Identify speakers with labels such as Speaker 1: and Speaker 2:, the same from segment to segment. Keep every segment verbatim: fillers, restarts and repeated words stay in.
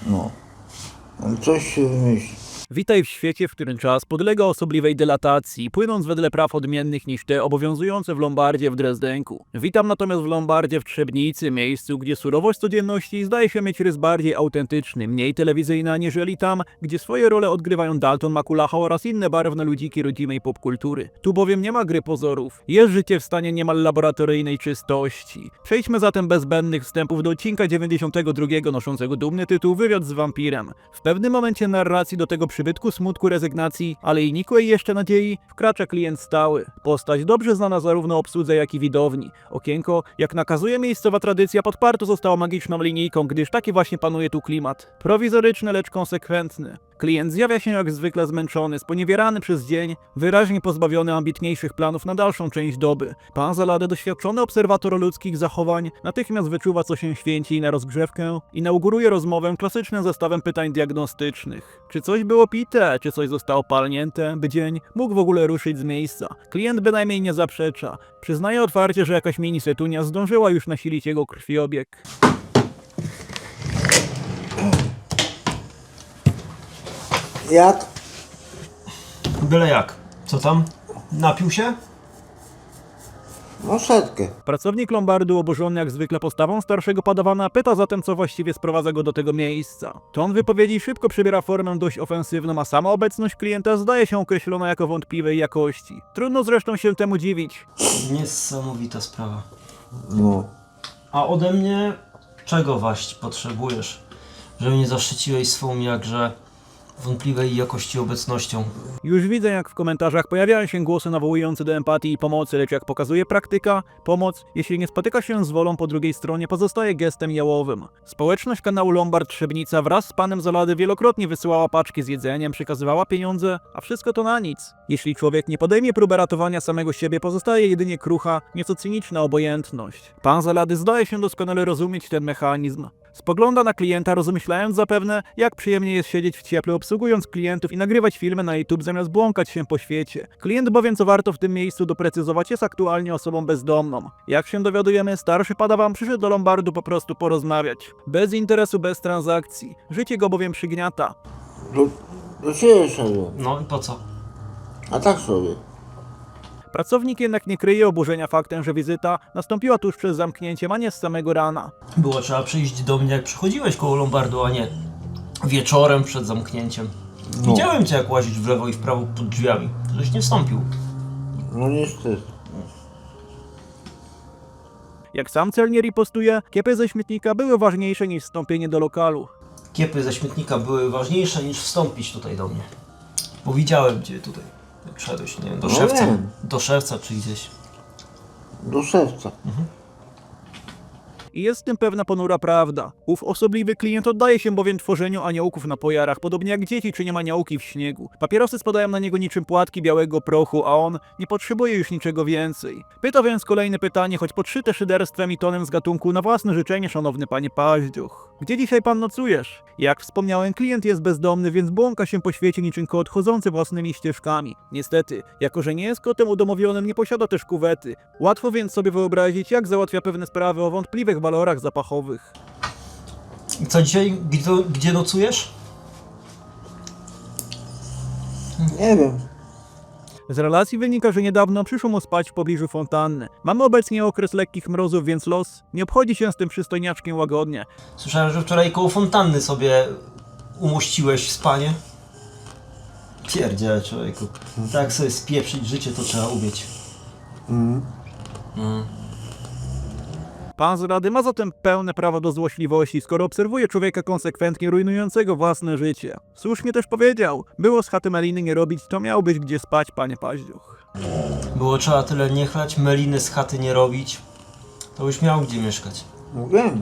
Speaker 1: No. No coś się wymyśli.
Speaker 2: Witaj w świecie, w którym czas podlega osobliwej dylatacji, płynąc wedle praw odmiennych niż te obowiązujące w Lombardzie w Drezdenku. Witam natomiast w Lombardzie w Trzebnicy, miejscu, gdzie surowość codzienności zdaje się mieć rys bardziej autentyczny, mniej telewizyjny aniżeli tam, gdzie swoje role odgrywają Dalton Makulacha oraz inne barwne ludziki rodzimej popkultury. Tu bowiem nie ma gry pozorów. Jest życie w stanie niemal laboratoryjnej czystości. Przejdźmy zatem bez zbędnych wstępów do odcinka dziewięćdziesiątego drugiego noszącego dumny tytuł Wywiad z wampirem. W pewnym momencie narracji do tego przybytku smutku, rezygnacji, ale i nikłej jeszcze nadziei wkracza klient stały. Postać dobrze znana zarówno obsłudze, jak i widowni. Okienko, jak nakazuje miejscowa tradycja, podparto zostało magiczną linijką, gdyż taki właśnie panuje tu klimat. Prowizoryczny, lecz konsekwentny. Klient zjawia się jak zwykle zmęczony, sponiewierany przez dzień, wyraźnie pozbawiony ambitniejszych planów na dalszą część doby. Pan Zalady, doświadczony obserwator ludzkich zachowań, natychmiast wyczuwa, co się święci na rozgrzewkę, inauguruje rozmowę klasycznym zestawem pytań diagnostycznych. Czy coś było pite, czy coś zostało palnięte, by dzień mógł w ogóle ruszyć z miejsca? Klient bynajmniej nie zaprzecza. Przyznaje otwarcie, że jakaś mini setunia zdążyła już nasilić jego krwiobieg.
Speaker 1: Jak?
Speaker 3: Byle jak. Co tam? Napił się?
Speaker 1: No setkę.
Speaker 2: Pracownik Lombardu, oburzony jak zwykle postawą starszego padawana, pyta zatem, co właściwie sprowadza go do tego miejsca. Ton wypowiedzi szybko przybiera formę dość ofensywną, a sama obecność klienta zdaje się określona jako wątpliwej jakości. Trudno zresztą się temu dziwić.
Speaker 3: Niesamowita sprawa.
Speaker 1: No.
Speaker 3: A ode mnie czego waść potrzebujesz? Żeby nie zaszczyciłeś swą jakże wątpliwej jakości obecnością.
Speaker 2: Już widzę, jak w komentarzach pojawiają się głosy nawołujące do empatii i pomocy, lecz jak pokazuje praktyka, pomoc, jeśli nie spotyka się z wolą po drugiej stronie, pozostaje gestem jałowym. Społeczność kanału Lombard Trzebnica wraz z panem Zalady wielokrotnie wysyłała paczki z jedzeniem, przekazywała pieniądze, a wszystko to na nic. Jeśli człowiek nie podejmie próby ratowania samego siebie, pozostaje jedynie krucha, nieco cyniczna obojętność. Pan Zalady zdaje się doskonale rozumieć ten mechanizm. Spogląda na klienta, rozmyślając zapewne, jak przyjemnie jest siedzieć w cieple, obsługując klientów i nagrywać filmy na YouTube zamiast błąkać się po świecie. Klient bowiem, co warto w tym miejscu doprecyzować, jest aktualnie osobą bezdomną. Jak się dowiadujemy, starszy padawan przyszedł do Lombardu po prostu porozmawiać. Bez interesu, bez transakcji. Życie go bowiem przygniata.
Speaker 1: Do, do ciebie szedłem.
Speaker 3: No i po co?
Speaker 1: A tak sobie.
Speaker 2: Pracownik jednak nie kryje oburzenia faktem, że wizyta nastąpiła tuż przed zamknięciem, a nie z samego rana.
Speaker 3: Było trzeba przyjść do mnie jak przychodziłeś koło Lombardu, a nie wieczorem przed zamknięciem.
Speaker 1: No.
Speaker 3: Widziałem cię jak łazić w lewo i w prawo pod drzwiami. Żeś nie wstąpił.
Speaker 1: No niestety.
Speaker 2: Jak sam celnie ripostuje, kiepy ze śmietnika były ważniejsze niż wstąpienie do lokalu.
Speaker 3: Kiepy ze śmietnika były ważniejsze niż wstąpić tutaj do mnie. Bo widziałem cię tutaj. Jak szedłeś, nie wiem, do
Speaker 1: No
Speaker 3: szewca.
Speaker 1: wiem.
Speaker 3: Do szewca czy gdzieś.
Speaker 1: Do szewca.
Speaker 2: I jest w tym pewna ponura prawda. Ów osobliwy klient oddaje się bowiem tworzeniu aniołków na pojarach, podobnie jak dzieci czy aniołki w śniegu. Papierosy spadają na niego niczym płatki białego prochu, a on nie potrzebuje już niczego więcej. Pyta więc kolejne pytanie, choć podszyte szyderstwem i tonem z gatunku na własne życzenie, szanowny panie Paździoch. Gdzie dzisiaj pan nocujesz? Jak wspomniałem, klient jest bezdomny, więc błąka się po świecie niczym kot chodzący własnymi ścieżkami. Niestety, jako że nie jest kotem udomowionym, nie posiada też kuwety. Łatwo więc sobie wyobrazić, jak załatwia pewne sprawy o wątpliwych walorach zapachowych.
Speaker 3: I co dzisiaj? Gdzie, gdzie nocujesz?
Speaker 1: Nie wiem.
Speaker 2: Z relacji wynika, że niedawno przyszło mu spać w pobliżu fontanny. Mamy obecnie okres lekkich mrozów, więc los nie obchodzi się z tym przystojniaczkiem łagodnie.
Speaker 3: Słyszałem, że wczoraj koło fontanny sobie umuściłeś spanie. Pierdziele, człowieku. Tak sobie spieprzyć życie to trzeba umieć.
Speaker 1: Mm.
Speaker 3: Mm.
Speaker 2: Pan z Rady ma zatem pełne prawo do złośliwości, skoro obserwuje człowieka konsekwentnie rujnującego własne życie. Słusznie też powiedział, było z chaty Meliny nie robić, to miał być gdzie spać, panie Paździoch.
Speaker 3: Było trzeba tyle nie chlać, meliny z chaty nie robić. To już miał gdzie mieszkać.
Speaker 1: No wiem.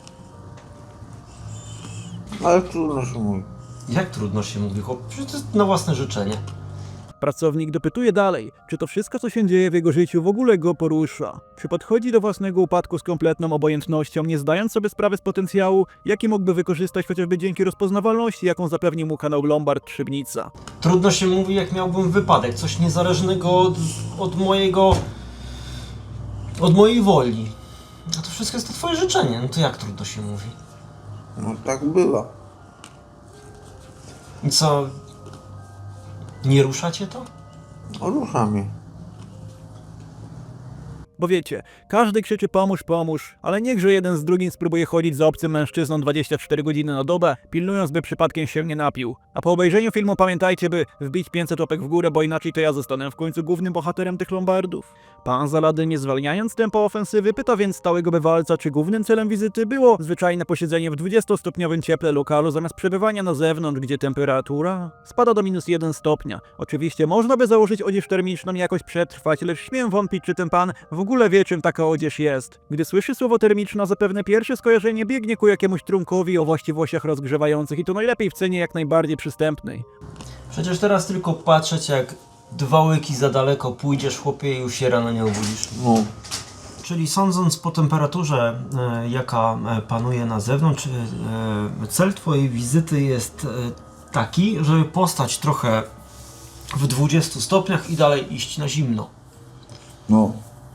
Speaker 1: Ale trudno się mówi.
Speaker 3: Jak trudno się mówi, chłop? Przecież to jest na własne życzenie.
Speaker 2: Pracownik dopytuje dalej, czy to wszystko, co się dzieje w jego życiu, w ogóle go porusza. Czy podchodzi do własnego upadku z kompletną obojętnością, nie zdając sobie sprawy z potencjału, jaki mógłby wykorzystać chociażby dzięki rozpoznawalności, jaką zapewnił mu kanał Lombard Trzebnica.
Speaker 3: Trudno się mówi, jak miałbym wypadek, coś niezależnego od, od mojego... od mojej woli. A to wszystko jest to twoje życzenie, no to jak trudno się mówi?
Speaker 1: No tak bywa.
Speaker 3: I co? Nie ruszacie to?
Speaker 1: Rusza mnie.
Speaker 2: Bo wiecie, każdy krzyczy pomóż, pomóż, ale niechże jeden z drugim spróbuje chodzić za obcym mężczyzną dwadzieścia cztery godziny na dobę, pilnując, by przypadkiem się nie napił. A po obejrzeniu filmu pamiętajcie, by wbić pięćset łapek w górę, bo inaczej to ja zostanę w końcu głównym bohaterem tych lombardów. Pan Zalady, nie zwalniając tempa ofensywy, pyta więc stałego bywalca, czy głównym celem wizyty było zwyczajne posiedzenie w dwudziestostopniowym cieple lokalu zamiast przebywania na zewnątrz, gdzie temperatura spada do minus jeden stopnia. Oczywiście można by założyć odzież termiczną i jakoś przetrwać, lecz śmiem wątpić, czy ten pan w ogóle wie, czym taka odzież jest. Gdy słyszy słowo termiczna, zapewne pierwsze skojarzenie biegnie ku jakiemuś trunkowi o właściwościach rozgrzewających i to najlepiej w cenie jak najbardziej przystępnej.
Speaker 3: Przecież teraz tylko patrzeć, jak dwa łyki za daleko pójdziesz, chłopie, i już się rano nie obudzisz.
Speaker 1: No.
Speaker 3: Czyli sądząc po temperaturze, e, jaka e, panuje na zewnątrz, e, cel twojej wizyty jest e, taki, żeby postać trochę w dwudziestu stopniach i dalej iść na zimno.
Speaker 1: No.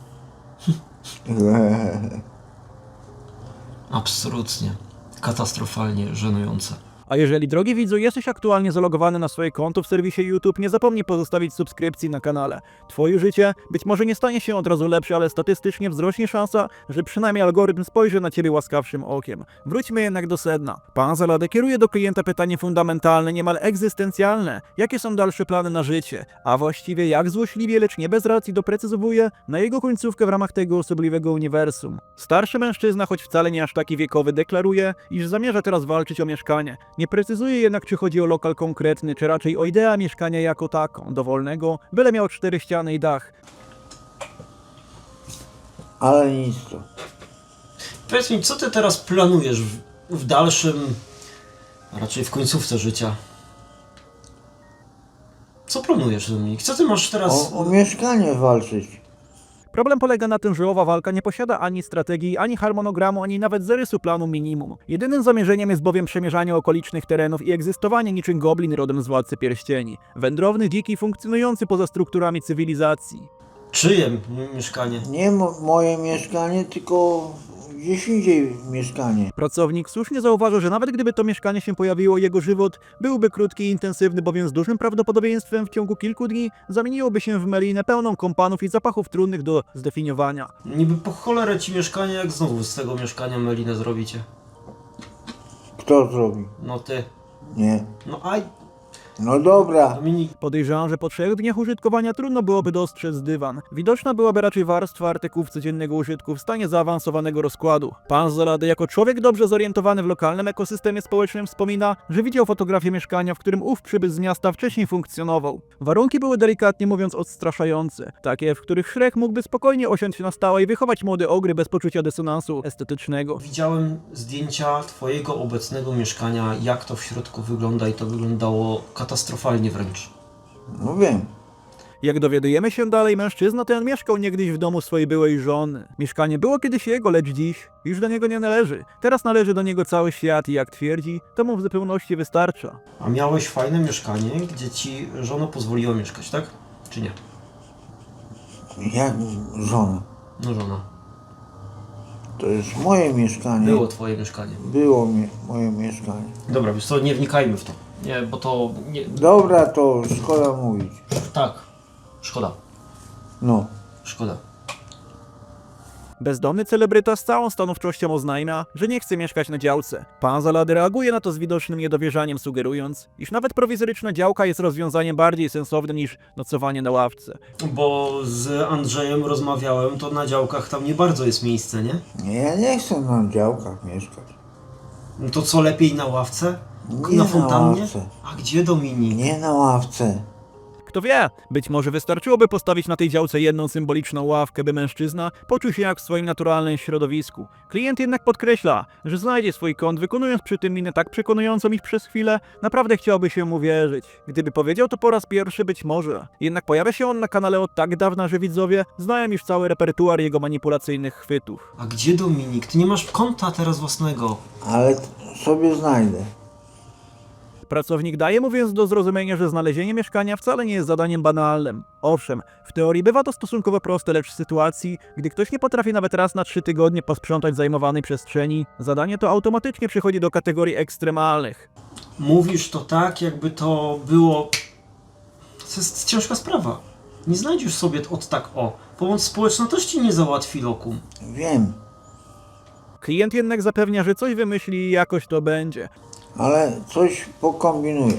Speaker 3: Absolutnie. Katastrofalnie żenujące.
Speaker 2: A jeżeli, drogi widzu, jesteś aktualnie zalogowany na swoje konto w serwisie YouTube, nie zapomnij pozostawić subskrypcji na kanale. Twoje życie być może nie stanie się od razu lepsze, ale statystycznie wzrośnie szansa, że przynajmniej algorytm spojrzy na ciebie łaskawszym okiem. Wróćmy jednak do sedna. Pan Zalady kieruje do klienta pytanie fundamentalne, niemal egzystencjalne. Jakie są dalsze plany na życie? A właściwie jak złośliwie, lecz nie bez racji doprecyzowuje na jego końcówkę w ramach tego osobliwego uniwersum. Starszy mężczyzna, choć wcale nie aż taki wiekowy, deklaruje, iż zamierza teraz walczyć o mieszkanie. Nie precyzuje jednak, czy chodzi o lokal konkretny, czy raczej o ideę mieszkania jako taką, dowolnego, byle miał cztery ściany i dach.
Speaker 1: Ale nic to.
Speaker 3: Powiedz mi, co ty teraz planujesz w, w dalszym, a raczej w końcówce życia? Co planujesz, Dominik? Co ty masz teraz...
Speaker 1: O, o mieszkanie walczyć.
Speaker 2: Problem polega na tym, że owa walka nie posiada ani strategii, ani harmonogramu, ani nawet zarysu planu minimum. Jedynym zamierzeniem jest bowiem przemierzanie okolicznych terenów i egzystowanie niczym goblin rodem z Władcy Pierścieni. Wędrowny, dziki, funkcjonujący poza strukturami cywilizacji.
Speaker 3: Czyje mieszkanie?
Speaker 1: Nie mo moje mieszkanie, tylko gdzieś indziej mieszkanie.
Speaker 2: Pracownik słusznie zauważył, że nawet gdyby to mieszkanie się pojawiło, jego żywot byłby krótki i intensywny, bowiem z dużym prawdopodobieństwem w ciągu kilku dni zamieniłoby się w melinę pełną kompanów i zapachów trudnych do zdefiniowania.
Speaker 3: Niby po cholerę ci mieszkanie, jak znowu z tego mieszkania melinę zrobicie?
Speaker 1: Kto zrobi?
Speaker 3: No ty.
Speaker 1: Nie.
Speaker 3: No aj,
Speaker 1: No dobra.
Speaker 3: Dominik.
Speaker 2: Podejrzewam, że po trzech dniach użytkowania trudno byłoby dostrzec dywan. Widoczna byłaby raczej warstwa artykułów codziennego użytku w stanie zaawansowanego rozkładu. Pan Zalady, jako człowiek dobrze zorientowany w lokalnym ekosystemie społecznym, wspomina, że widział fotografię mieszkania, w którym ów przybysz z miasta wcześniej funkcjonował. Warunki były delikatnie mówiąc odstraszające, takie, w których Shrek mógłby spokojnie osiąść na stałe i wychować młode ogry bez poczucia dysonansu estetycznego.
Speaker 3: Widziałem zdjęcia twojego obecnego mieszkania, jak to w środku wygląda, i to wyglądało katastrofalnie wręcz.
Speaker 1: No wiem.
Speaker 2: Jak dowiadujemy się dalej, mężczyzna ten mieszkał niegdyś w domu swojej byłej żony. Mieszkanie było kiedyś jego, lecz dziś już do niego nie należy. Teraz należy do niego cały świat i jak twierdzi, to mu w zupełności wystarcza.
Speaker 3: A miałeś fajne mieszkanie, gdzie ci żona pozwoliła mieszkać, tak? Czy nie?
Speaker 1: Jak żona?
Speaker 3: No żona.
Speaker 1: To jest moje mieszkanie.
Speaker 3: Było twoje mieszkanie.
Speaker 1: Było mi moje mieszkanie.
Speaker 3: Dobra, wiesz co, nie wnikajmy w to. Nie, bo to... Nie...
Speaker 1: Dobra, to szkoda mówić.
Speaker 3: Tak. Szkoda.
Speaker 1: No.
Speaker 3: Szkoda.
Speaker 2: Bezdomny celebryta z całą stanowczością oznajmia, że nie chce mieszkać na działce. Pan Zalady reaguje na to z widocznym niedowierzaniem, sugerując, iż nawet prowizoryczna działka jest rozwiązaniem bardziej sensownym niż nocowanie na ławce.
Speaker 3: Bo z Andrzejem rozmawiałem, to na działkach tam nie bardzo jest miejsce, nie?
Speaker 1: Nie, ja nie chcę na działkach mieszkać.
Speaker 3: No to co, lepiej na ławce?
Speaker 1: Nie
Speaker 3: na
Speaker 1: na
Speaker 3: fontannie?
Speaker 1: ławce.
Speaker 3: A gdzie, Dominik?
Speaker 1: Nie na ławce.
Speaker 2: Kto wie, być może wystarczyłoby postawić na tej działce jedną symboliczną ławkę, by mężczyzna poczuł się jak w swoim naturalnym środowisku. Klient jednak podkreśla, że znajdzie swój kąt, wykonując przy tym minę tak przekonującą, iż przez chwilę naprawdę chciałby się mu wierzyć. Gdyby powiedział to po raz pierwszy, być może. Jednak pojawia się on na kanale od tak dawna, że widzowie znają już cały repertuar jego manipulacyjnych chwytów.
Speaker 3: A gdzie, Dominik? Ty nie masz konta teraz własnego.
Speaker 1: Ale t- sobie znajdę.
Speaker 2: Pracownik daje mu więc do zrozumienia, że znalezienie mieszkania wcale nie jest zadaniem banalnym. Owszem, w teorii bywa to stosunkowo proste, lecz w sytuacji, gdy ktoś nie potrafi nawet raz na trzy tygodnie posprzątać zajmowanej przestrzeni, zadanie to automatycznie przechodzi do kategorii ekstremalnych.
Speaker 3: mówisz to tak, jakby to było... To jest ciężka sprawa. Nie znajdziesz sobie od tak o. Pomoc społeczna też ci nie załatwi lokum.
Speaker 1: Wiem,
Speaker 2: Klient jednak zapewnia, że coś wymyśli i jakoś to będzie.
Speaker 1: ale coś pokombinuję.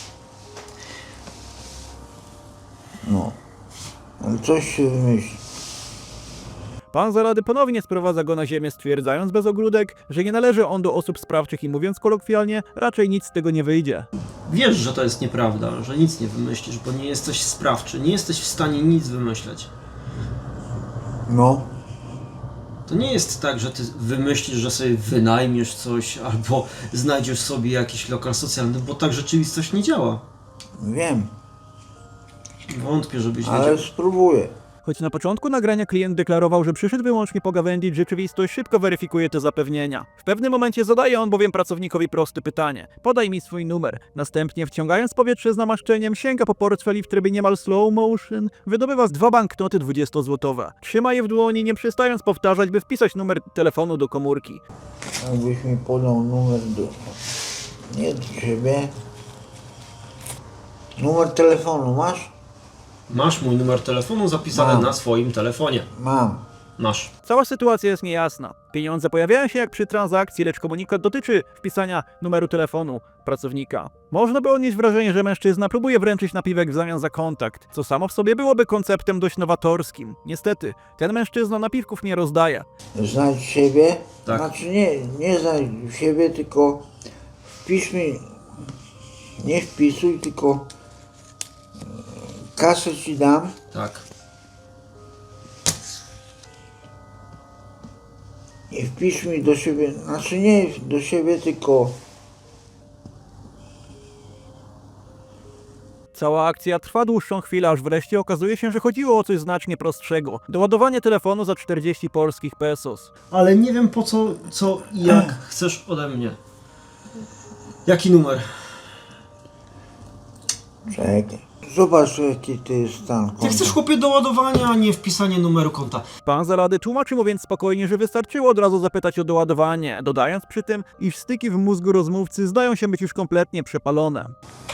Speaker 1: No, ale coś się wymyśli.
Speaker 2: Pan Zalady ponownie sprowadza go na ziemię, stwierdzając bez ogródek, że nie należy on do osób sprawczych i mówiąc kolokwialnie, raczej nic z tego nie wyjdzie.
Speaker 3: Wiesz, że to jest nieprawda, że nic nie wymyślisz, bo nie jesteś sprawczy, nie jesteś w stanie nic wymyśleć.
Speaker 1: No,
Speaker 3: To nie jest tak, że ty wymyślisz, że sobie wynajmiesz coś albo znajdziesz sobie jakiś lokal socjalny, bo tak rzeczywistość nie działa.
Speaker 1: wiem,
Speaker 3: Wątpię, żebyś
Speaker 1: ale
Speaker 3: wiedział.
Speaker 1: spróbuję.
Speaker 2: Choć na początku nagrania klient deklarował, że przyszedł wyłącznie pogawędzić, rzeczywistość szybko weryfikuje te zapewnienia. W pewnym momencie zadaje on bowiem pracownikowi proste pytanie. Podaj mi swój numer. Następnie, wciągając powietrze z namaszczeniem, sięga po portfel i w trybie niemal slow motion wydobywa z dwa banknoty dwudziestozłotowe. Trzyma je w dłoni, nie przestając powtarzać, by wpisać numer telefonu do komórki.
Speaker 1: Jakbyś mi podał numer do... Nie do ciebie. Numer telefonu masz?
Speaker 3: Masz mój numer telefonu zapisany
Speaker 1: Mam.
Speaker 3: na swoim telefonie.
Speaker 1: Mam.
Speaker 3: Masz.
Speaker 2: Cała sytuacja jest niejasna. Pieniądze pojawiają się jak przy transakcji, lecz komunikat dotyczy wpisania numeru telefonu pracownika. Można by odnieść wrażenie, że mężczyzna próbuje wręczyć napiwek w zamian za kontakt, co samo w sobie byłoby konceptem dość nowatorskim. Niestety, ten mężczyzna napiwków nie rozdaje.
Speaker 1: Znajdź siebie?
Speaker 3: Tak.
Speaker 1: Znaczy nie, nie znajdź siebie, tylko wpisz mi... Nie wpisuj, tylko... Kasę ci dam.
Speaker 3: Tak.
Speaker 1: I wpisz mi do siebie, znaczy nie do siebie, tylko
Speaker 2: Cała akcja trwa dłuższą chwilę, aż wreszcie okazuje się, że chodziło o coś znacznie prostszego. Doładowanie telefonu za czterdzieści polskich pesos.
Speaker 3: Ale nie wiem po co, co i jak chcesz ode mnie. Jaki numer?
Speaker 1: czekaj. Zobacz jaki to jest stan konta.
Speaker 3: Ty chcesz chłopie doładowania, a nie wpisanie numeru konta.
Speaker 2: Pan Zalady tłumaczy mu więc spokojnie, że wystarczyło od razu zapytać o doładowanie, dodając przy tym, iż styki w mózgu rozmówcy zdają się być już kompletnie przepalone.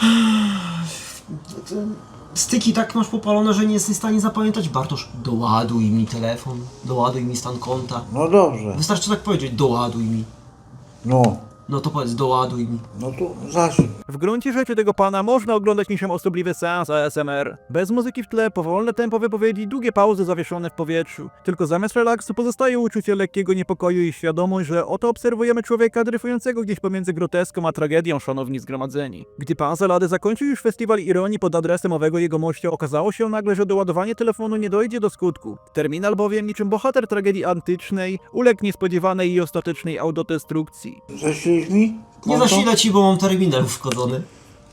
Speaker 3: Styki tak masz popalone, że nie jesteś w stanie zapamiętać. Bartosz, doładuj mi telefon, doładuj mi stan konta.
Speaker 1: No dobrze.
Speaker 3: Wystarczy tak powiedzieć, doładuj mi.
Speaker 1: No.
Speaker 3: No to powiedz, doładuj mi.
Speaker 1: No to zacznij.
Speaker 2: W gruncie rzeczy tego pana można oglądać niczym osobliwy seans A S M R. Bez muzyki w tle, powolne tempo wypowiedzi, długie pauzy zawieszone w powietrzu. Tylko zamiast relaksu pozostaje uczucie lekkiego niepokoju i świadomość, że oto obserwujemy człowieka dryfującego gdzieś pomiędzy groteską a tragedią, szanowni zgromadzeni. Gdy pan Zalady zakończył już festiwal ironii pod adresem owego jegomościa, okazało się nagle, że doładowanie telefonu nie dojdzie do skutku. Terminal bowiem, niczym bohater tragedii antycznej, uległ niespodziewanej i ostatecznej autodestrukcji.
Speaker 1: Zasilisz mi?
Speaker 3: Nie
Speaker 1: konto?
Speaker 3: zasilę ci, bo mam terminal wchodzony.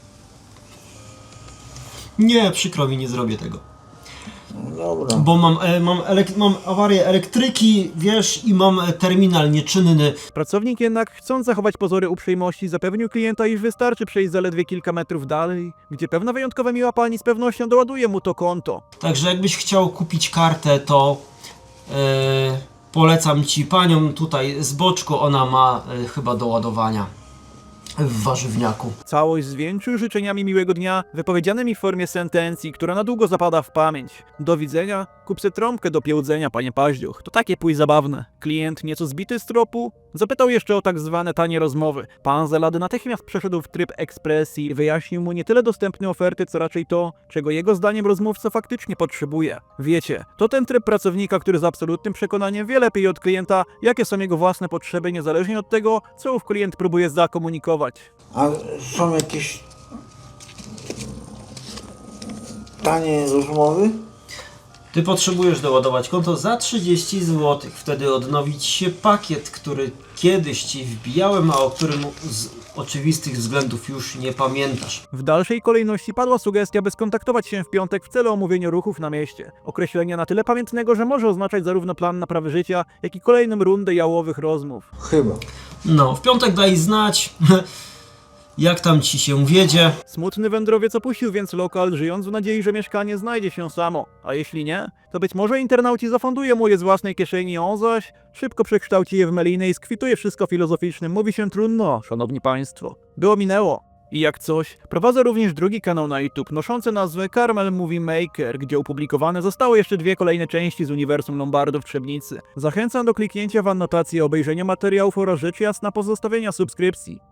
Speaker 3: Nie, przykro mi, nie zrobię tego.
Speaker 1: No dobra.
Speaker 3: Bo mam, e, mam, elek- mam awarię elektryki, wiesz, i mam e, terminal nieczynny.
Speaker 2: Pracownik jednak, chcąc zachować pozory uprzejmości, zapewnił klienta, iż wystarczy przejść zaledwie kilka metrów dalej, gdzie pewna wyjątkowa miła pani z pewnością doładuje mu to konto.
Speaker 3: Także jakbyś chciał kupić kartę, to e, polecam ci panią tutaj z boczku, ona ma e, chyba do ładowania w warzywniaku.
Speaker 2: Całość zwieńczył życzeniami miłego dnia, wypowiedzianymi w formie sentencji, która na długo zapada w pamięć. Do widzenia, kup se trąbkę do piełdzenia, panie Paździoch. To takie pój zabawne. Klient, nieco zbity z tropu, zapytał jeszcze o tak zwane tanie rozmowy. Pan Zalady natychmiast przeszedł w tryb ekspresji i wyjaśnił mu nie tyle dostępne oferty, co raczej to, czego jego zdaniem rozmówca faktycznie potrzebuje. Wiecie, to ten tryb pracownika, który z absolutnym przekonaniem wie lepiej od klienta, jakie są jego własne potrzeby, niezależnie od tego, co ów klient próbuje zakomunikować.
Speaker 1: A są jakieś tanie rozmowy?
Speaker 3: Ty potrzebujesz doładować konto za trzydzieści złotych, wtedy odnowić się pakiet, który kiedyś ci wbijałem, a o którym z oczywistych względów już nie pamiętasz.
Speaker 2: W dalszej kolejności padła sugestia, by skontaktować się w piątek w celu omówienia ruchów na mieście. Określenia na tyle pamiętnego, że może oznaczać zarówno plan naprawy życia, jak i kolejną rundę jałowych rozmów.
Speaker 1: Chyba.
Speaker 3: No, w piątek daj znać, jak tam ci się wiedzie.
Speaker 2: Smutny wędrowiec opuścił więc lokal, żyjąc w nadziei, że mieszkanie znajdzie się samo. A jeśli nie, to być może internauci zafundują mu je z własnej kieszeni, on zaś szybko przekształci je w melinę i skwituje wszystko filozoficznym. Mówi się trudno, szanowni państwo. Było minęło. I jak coś, prowadzę również drugi kanał na YouTube noszący nazwę Carmel Movie Maker, gdzie opublikowane zostały jeszcze dwie kolejne części z uniwersum Lombardów Trzebnicy. Zachęcam do kliknięcia w annotacji i obejrzenia materiałów oraz rzecz jasna pozostawienia subskrypcji.